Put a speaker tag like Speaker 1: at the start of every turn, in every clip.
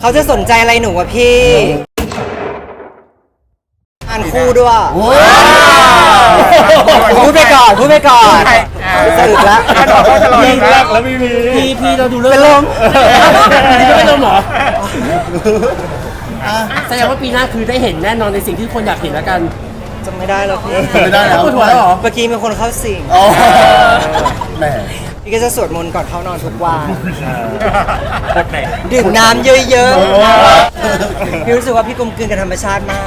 Speaker 1: เขาจะสนใจอะไรหนูวะพี่อ่านคู่ด้วยพูดไปก่อนสรุปแล้ว
Speaker 2: พี่รักแล้วพี่เราดูเรื่อง
Speaker 1: เป็นลม
Speaker 2: นี่ก็เป็นลมเหรอแสดงว่าปีหน้าคือได้เห็นแน่นอนในสิ่งที่คนอยากเห็นแล้วกัน
Speaker 1: จำไม่ได้แล้วพี่
Speaker 3: ไม่ได้แล้ว
Speaker 2: ปวดหัวแล้วเหรอ
Speaker 1: เมื่อกี้มีคนเข้าสิง
Speaker 3: แหม
Speaker 1: พี่ก็จะสวดมนต์ก่อนเข้านอนทุกวันดื่มน้ำเยอะๆพี่รู้สึกว่าพี่กลมกลืนกับธรรมชาติมาก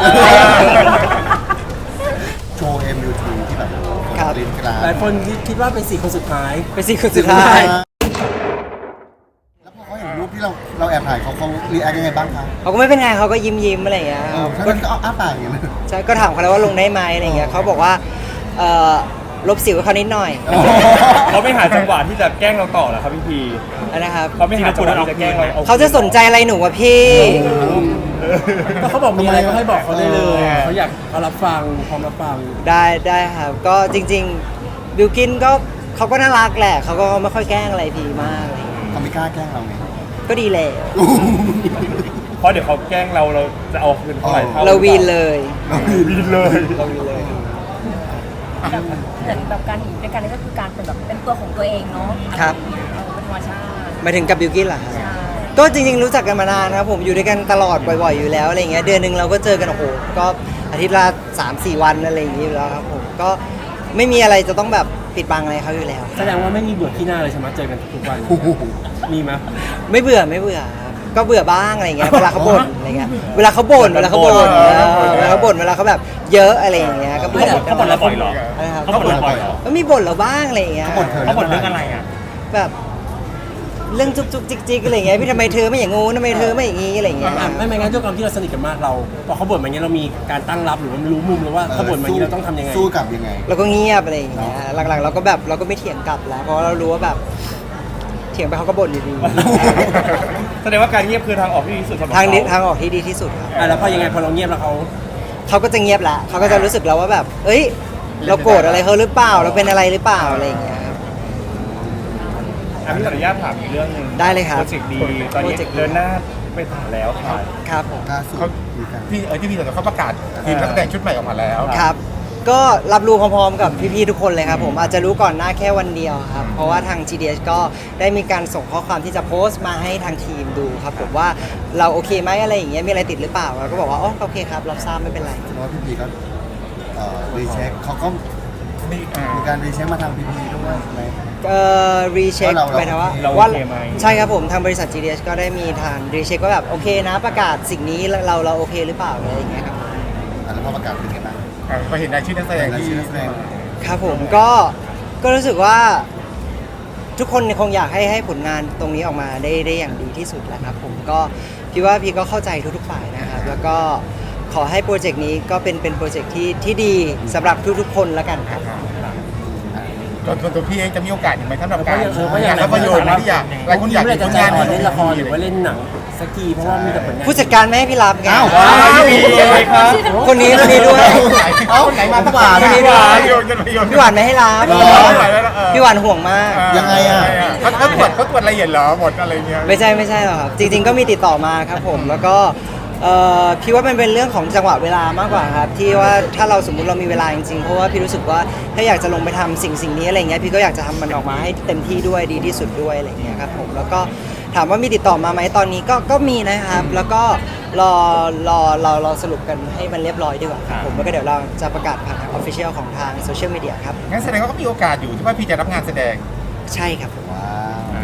Speaker 3: โชว์ MUT ที่แบบ
Speaker 1: ครับ
Speaker 3: ลิ้นกลาง
Speaker 2: หลายคนคิดว่าเป็น4 คนสุดท้าย
Speaker 1: เป็นสิ่งสุดท้าย
Speaker 3: แล้วพอเขาเห็นรูปที่เราแอบถ่ายเขารีแอคยังไงบ้างคะ
Speaker 1: เขาก็ไม่เป็นไงเขาก็ยิ้มอะไรอย่างเงี้ย
Speaker 3: ถ้างั้นก็เอาอ้าปากอย่างเงี้ย
Speaker 1: ใช่ก็ถามเขาแล้วว่าลงได้ไหมอะไรอย่างเงี้ยเขาบอกว่าลบสิวเขานิดหน่อย
Speaker 4: เขาไม่หาจังหวะที่จะแกล้งเราต่อเหรอครับพี่พี
Speaker 1: นะครับ
Speaker 4: เขาไม่หาจังหวะที่จะแกล้งเรา
Speaker 1: เขาจะสนใจอะไรหนูวะพี่
Speaker 2: ก็เขาบอกมีอะไรก็ให้บอกเขาได้เลยเขาอยากเขารับฟังพร้อมรับฟัง
Speaker 1: ได้ครับก็จริงๆบิวกินก็เขาก็น่ารักแหละเขาก็ไม่ค่อยแกล้งอะไรพีมากอะไรอย่างเงี้ย
Speaker 3: เขาไม่กล้าแกล้งเราไง
Speaker 1: ก็ดีแล้ว
Speaker 4: เพราะเดี๋ยวเขาแกล้งเราจะเอาคืนเท่าไหร่เท่า
Speaker 1: เราวีนเลย
Speaker 4: วีนเลย
Speaker 1: เราวีนเลย
Speaker 5: เหมือนแบบการอยู่ด้วยกันนี่ก็คือการเป็นแบบเป็นตัวของตัวเองเนาะ
Speaker 1: ครับ
Speaker 5: เป็นธรรมชาติ
Speaker 1: หมายถึงกับบิวกินเหรอครับ
Speaker 5: ใช่
Speaker 1: ก็จริงๆรู้จักกันมานานครับผมอยู่ด้วยกันตลอดบ่อยๆอยู่แล้วอะไรเงี้ยเดือนหนึ่งเราก็เจอกันโอ้โหก็อาทิตย์ละ 3-4 วันอะไรอย่างงี้อยู่แล้วครับผมก็ไม่มีอะไรจะต้องแบบปิดบังอะไรเขาอยู่แล้ว
Speaker 2: แสดงว่าไม่มีเบื่อที่หน้าเลยใช่ไหมเจอกันทุกวันมีไหม
Speaker 1: ไม่เบื่อครับก็เบื่อบ้างอะไรเงี้ยเวลาเขาบ่นอะไรเงี้ยเวลาเขาบ่นเวลาเขาแบบเยอะอะไรอย่างเงี้ยก็บ่น
Speaker 4: เขาบ่นเราบ่อยเหรอ
Speaker 1: นะครับ
Speaker 4: เขาบ่นเราบ่อยเหรอ
Speaker 1: ก็มีบ่นเราบ้างอะไรอย่างเงี้ย
Speaker 3: เขาบ่นเธอ
Speaker 4: เขาบ่นเรื่องอะไรอ่ะ
Speaker 1: แบบเรื่องจุกจุกจิกจิกอะไรเงี้ยพี่ทำไมเธอไม่อย่างงูทำไมเธอไม่อย่างงี้อะไรเงี้ย
Speaker 2: ไม่งั้นด้วยความที่เราสนิทกันมากเราพอเขาบ่นมาอย่างเงี้ยเรามีการตั้งรับหรือว่ารู้มุมหรือว่าเขาบ่นมาอย่างเงี้ยเราต้องทำยังไง
Speaker 3: สู้กลับยังไง
Speaker 1: เราก็เงียบอะไรอย่างเงี้ยหลังๆเราก็แบบเราก็ไม่เถียงกลับแล้วเพราะเรารู้ว่าแบบเถียงไปเขาก็บ่นอยู่ดี
Speaker 4: แสดงว่าการเงียบคือทางออกที่ดีสุดสำหรับ
Speaker 1: ทางนี้
Speaker 4: เข
Speaker 1: ทางออกที่ดีที่สุดครับ
Speaker 2: แล้วพอยังไงพอเราเงียบแล้วเขา
Speaker 1: เขาก็จะเงียบละเขาก็จะรู้สึกแล้วว่าแบบ เอ้ย เราโกรธอะไรเขาหรือเปล่า เราเป็นอะไรหรือเปล่าอะไรอย่างเงี้ยครับ
Speaker 4: พี่ขออนุญาตถามอีกเรื่องหนึง
Speaker 1: ได้เลยครับ
Speaker 4: โปรเจกต์ดีตอนนี้
Speaker 1: โปรเจกต์ดี
Speaker 4: เดินหน้าไปถึงแล้วครับ
Speaker 1: ครับผม
Speaker 3: ล่าสุดมีการ
Speaker 6: ที่พี่เขาประกาศทีมนักแสดงชุดใหม่ออกมาแล้ว
Speaker 1: ครับ ก็รับรู้พร้อมๆกับพี่ๆทุกคนเลยครับผมอาจจะรู้ก่อนหน้าแค่วันเดียวครับ เพราะว่าทาง GDS ก็ได้มีการส่งข้อความที่จะโพสต์มาให้ทางทีมดูครับผมว่าเราโอเคไหมอะไรอย่างเงี้ยมีอะไรติดหรือเปล่าเราก็บอกว่าอ๋อโอเคครับรับทราบไม่เป็นไร
Speaker 3: เพราะว่าพี่พีก็รีเช็คเขาก็มีการรีเช็คมาทางพี่พีด้วยใช่ไหม
Speaker 1: รีเช็ค
Speaker 3: ว่าเรา
Speaker 1: หมายถึงว่า
Speaker 4: เรา
Speaker 1: ว่า
Speaker 4: โอเคไหม
Speaker 1: ใช่ครับผมทางบริษัท GDS ก็ได้มีทางรีเช็คว่าแบบโอเคนะประกาศสิ่งนี้เราโอเคหรือเปล่าอะไรอย่างเงี้ยครับ
Speaker 3: แล้วพอประกาศเป็นไงบ้าง
Speaker 6: พอเห็นรายชื่อนักแสดง
Speaker 3: ราย
Speaker 6: ที่
Speaker 3: ชื่อนักแสดง
Speaker 1: ครับผมก็รู้สึกว่าทุกคนคงอยากให้ผลงานตรงนี้ออกมาได้อย่างดีที่สุดแหละครับผมก็พี่ว่าพี่ก็เข้าใจทุกๆฝ่ายนะครับแล้วก็ขอให้โปรเจกต์นี้ก็เป็นโปรเจกต์ที่ดีสำหรับทุกๆคนแล้วกันครับ
Speaker 6: ตัวพี่เองจะมีโอกาสอีกไหมสำหรับการ
Speaker 2: เพราะอย่าง
Speaker 6: ภาพยนตร์ที่อยากหลายคนอยาก
Speaker 2: เล่น
Speaker 6: ผล
Speaker 2: จะ
Speaker 6: งาน
Speaker 2: เล่นละครหรือว่าเล่นหนังสักทีเพราะว่ามีแต่ผลงาน
Speaker 1: ผู้จัดการไม่ให้พี่รับไง
Speaker 3: อ้าว
Speaker 4: พี่พีเลยครับ
Speaker 1: คนนี้ด้วย
Speaker 6: เอ้าไหนมา
Speaker 3: หวาน
Speaker 1: คนนี้ด้วย
Speaker 6: พี่
Speaker 1: พี่หวานไม่ให้รับ พี่หวานห่วงมาก
Speaker 3: ยังไงอ่ะ
Speaker 6: เขาตรวจละเอียดเหรอหมดอะไรเงี้ย
Speaker 1: ไม่ใช่หรอกครับจริงๆก็มีติดต่อมาครับผมแล้วก็พี่ว่ามันเป็นเรื่องของจังหวะเวลามากกว่าครับที่ว่าถ้าเราสมมุติเรามีเวลาจริงๆเพราะว่าพี่รู้สึกว่าถ้าอยากจะลงไปทำสิ่งนี้อะไรเงี้ยพี่ก็อยากจะทำมันออกมาให้เต็มที่ด้วยดีที่สุดด้วยอะไรเงี้ยครับผมแล้วก็ถามว่ามีติดต่อมาไหมตอนนี้ก็มีนะครับแล้วก็รอสรุปกันให้มันเรียบร้อยดีกว่าครับผมแล้วก็เดี๋ยวเราจะประกาศผ่านทางออฟฟิเชียลของทางโซเชียลมีเดียครับ
Speaker 6: งั้นแสดงว่าก็มีโอกาสอยู่ที่ว่าพี่จะรับงานแสดง
Speaker 1: ใช่ครับผม
Speaker 3: ว้าว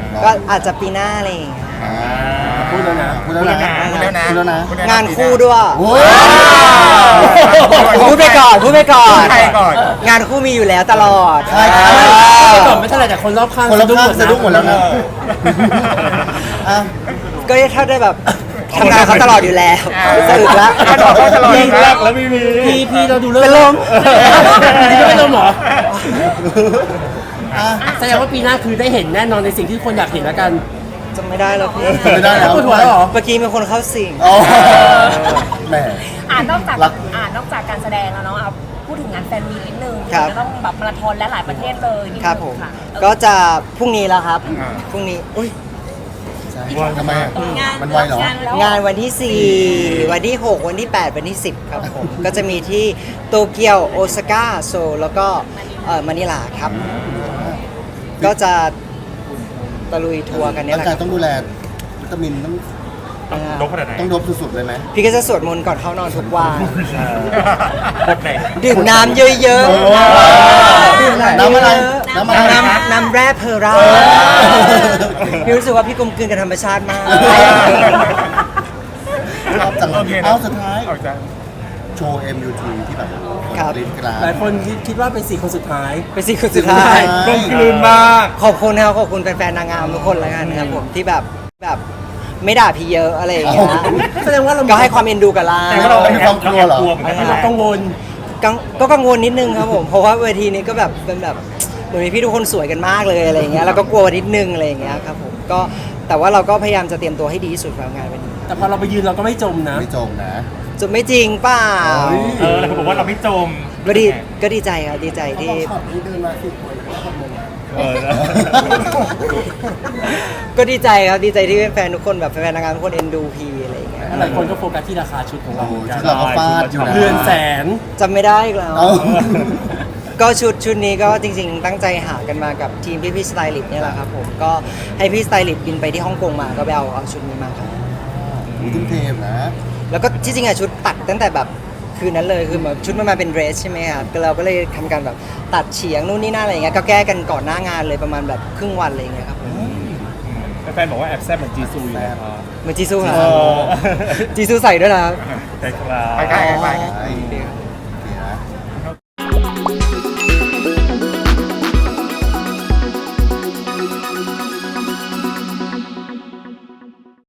Speaker 1: ก็อาจจะปีหน้าอะไรอย่างเงี้ย
Speaker 2: พูดแล้วนะ
Speaker 3: พูดแล้วนะ
Speaker 6: พูดแล้วนะ
Speaker 3: พูดแล้วนะ
Speaker 1: งานคู่ด้วย
Speaker 3: โอ้ย
Speaker 1: พูดไปก่อน
Speaker 6: ใครก่อน
Speaker 1: งานคู่มีอยู่แล้วตลอด
Speaker 3: ใช่ครับ
Speaker 2: ก่อนไม่เท่าไหร่แต่คนรอบข้าง
Speaker 3: คนละข้างสะดุ้งหมดแล้วนะอ่ะ
Speaker 1: ก็ถ้าได้แบบทำงานเขาตลอดอยู่แล้วสรุปแล้ว
Speaker 4: พี่รักแล้ว
Speaker 2: พี่เราดูเรื่อง
Speaker 1: เป็นลม
Speaker 2: นี่ก็เป็นลมเหรอ
Speaker 3: อ่ะ
Speaker 2: แสดงว่าปีหน้าคือได้เห็นแน่นอนในสิ่งที่คนอยากเห็นแล้วกัน
Speaker 1: จำไม่ได้แล้วพี่
Speaker 3: จำไม่ได้แล้ว
Speaker 2: ปวดหัวแล้วเหรอ
Speaker 1: เมื่อกี้มีคนเข้าสิง
Speaker 3: อ๋อแหม
Speaker 5: นอกจาก
Speaker 3: รัก
Speaker 5: นอกจากการแสดงแล้วเนาะเอาพูดถึงงานแฟนมีตนิดนึง
Speaker 1: ครับ
Speaker 5: จะต้องแบบมาราธอนและหลายประเทศเลยนิดนึง
Speaker 1: ครับผม
Speaker 5: ค่ะ
Speaker 1: ก็จะพรุ่งนี้แล้วครับ พรุ่งนี้ อุ้ย
Speaker 3: ใช่ทำไมอะ
Speaker 5: งาน
Speaker 3: มันไวเหรอ
Speaker 5: แล้ว
Speaker 1: งานวันที่ 4 วันที่ 6 วันที่ 8 วันที่ 10 ครับผม ก็จะมีที่โตเกียวโอซาก้าโซลแล้วก็มะนิลาครับ ก็จะตะลุยทัวร์กันเนี่ย
Speaker 3: ร่า
Speaker 1: แห
Speaker 3: ง
Speaker 1: ละ
Speaker 3: กายต้องดูแลวิตามินต้อง
Speaker 4: ลบขนาดไหน
Speaker 3: ต้องดบสุดๆเลยไหม
Speaker 1: พี่ก็จะสวดมนต์ก่อนเข้านอนทุกวัน
Speaker 4: บทไหน
Speaker 1: ดื่มน้ำเยอะๆดื่ม
Speaker 3: น้ำอะไร
Speaker 1: เยอะๆ
Speaker 3: น้ำอะไร
Speaker 1: น้ำแร่เพอร่าพี่รู้สึกว่าพี่กลมกลืนกับธรรมชาติมาก
Speaker 3: ชอบจัง
Speaker 6: โอเคนะ
Speaker 3: เอาสุดท้าย
Speaker 6: ออกจาก
Speaker 3: โชว์ MUT ที่แบบ
Speaker 1: ครับ
Speaker 3: ลิ้นกลาง
Speaker 2: หลายคนคิดว่าเป็น4 คนสุดท้าย
Speaker 1: เป็นสิ่งสุดท้าย
Speaker 3: ใช่
Speaker 4: กลมกลืนมาก
Speaker 1: ขอบคุณครับขอบคุณแฟนๆนางงามทุกคนแล้วกันครับผมที่แบบไม่ด่าพี่เยอะอะไรอย่างเงี้ย
Speaker 2: แสดงว่าเรา
Speaker 1: ก็ให้ความเอ็นดูกับเรา
Speaker 4: แต่ว่าเรา
Speaker 3: มีความกลัวเหรอ
Speaker 4: เหมือนกัน
Speaker 2: เรากังวล
Speaker 1: ก็กังวลนิดนึงครับผม เพราะว่าเวทีนี้ก็แบบเป็นแบบเหมือนมีพี่ทุกคนสวยกันมากเลยอะไรอย่างเงี้ยแล้วก็กลัวนิดนึงอะไรอย่างเงี้ยครับผมก็แต่ว่าเราก็พยายามจะเตรียมตัวให้ดีที่สุดสำหรับงานวันนี้
Speaker 2: แต่พอเราไปยืนเราก็ไม่จมนะ
Speaker 3: ไม่จมนะ
Speaker 1: จะไม่จริงเปล่า
Speaker 4: หลายคนบอกว่าเราไม่จม
Speaker 1: ก็ดีใจครับดีใจที่
Speaker 4: เออ
Speaker 1: ก็ดีใจครับดีใจที่แฟนๆทุกคนแบบแฟนๆนางงามทุกคนเอ็นดูพีอะไรอย่างเงี้ย
Speaker 2: หลายคนก็โฟกัสที่ราคาชุดของเรา
Speaker 3: โอ้
Speaker 2: เหมือนกั
Speaker 3: ชุ
Speaker 2: น
Speaker 3: ดเราก็ฟาดอยู่นะ
Speaker 2: เรือนแสน
Speaker 1: จำไม่ได้อีกแล้ว
Speaker 3: เอ้า
Speaker 1: ก็ชุดนี้ก็จริงๆ ตั้งใจหากันมากับทีมพี่สไตลิสต์เนี่ยแหละครับผมก็ให้พี่สไตลิสต์บินไปที่ฮ่องกงมาก็ไปเอาชุดนี้มาครับ
Speaker 3: ทุ่มเทนะ
Speaker 1: แล้วก็ที่จริงอะชุดตัดตั้งแต่แบบคืนนั้นเลยคือแบบชุดมันมาเป็นเดรสใช่ไหมครับก็เราก็เลยทำการแบบตัดเฉียงนู่นนี่นั่นอะไรอย่างเงี้ยก็แก้กันก่อนหน้างานเลยประมาณแบบครึ่งวันอะไรอย่างเงี้ยครับผม
Speaker 4: แฟนๆบอกว่าแอบแซ่บเหมือนจีซูอยู่นะครับ
Speaker 1: เหมือนจีซูเหรอ
Speaker 4: เออ
Speaker 1: จีซูใส่ด้วยนะครับ
Speaker 4: ใช่ครับ
Speaker 6: ไปใกล้ไป
Speaker 3: ใช่